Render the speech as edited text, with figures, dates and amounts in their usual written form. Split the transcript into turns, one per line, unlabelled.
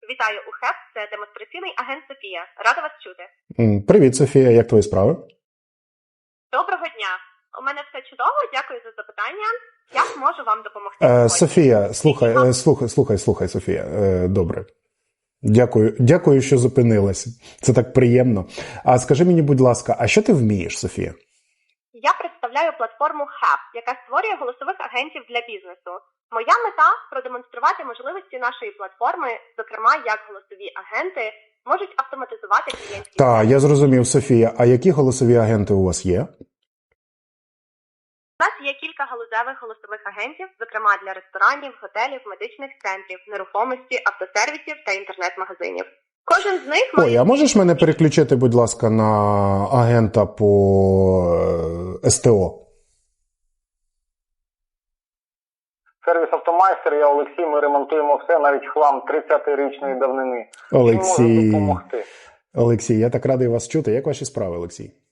Вітаю у ХЕП, це демонстраційний агент Софія. Рада вас чути.
Привіт, Софія, як твої справи?
Доброго дня. У мене все чудово, дякую за запитання. Як можу вам допомогти?
Софія, слухай, Софія, добре. Дякую, що зупинилася. Це так приємно. А скажи мені, будь ласка, а що ти вмієш, Софія?
Я представляю платформу ХЕП, яка створює голосових агентів для бізнесу. Моя мета – продемонструвати можливості нашої платформи, зокрема, як голосові агенти можуть автоматизувати клієнтські...
Так, я зрозумів, Софія. А які голосові агенти у вас є?
У нас є кілька галузевих голосових агентів, зокрема для ресторанів, готелів, медичних центрів, нерухомості, автосервісів та інтернет-магазинів. Кожен з них має...
Ой, а можеш мене переключити, будь ласка, на агента по СТО?
Сервіс «Автомайстер», я Олексій, ми ремонтуємо все, навіть хлам 30-річної давнини.
Олексій,
Чим можемо допомогти?
Олексій, я так радий вас чути. Як ваші справи, Олексій?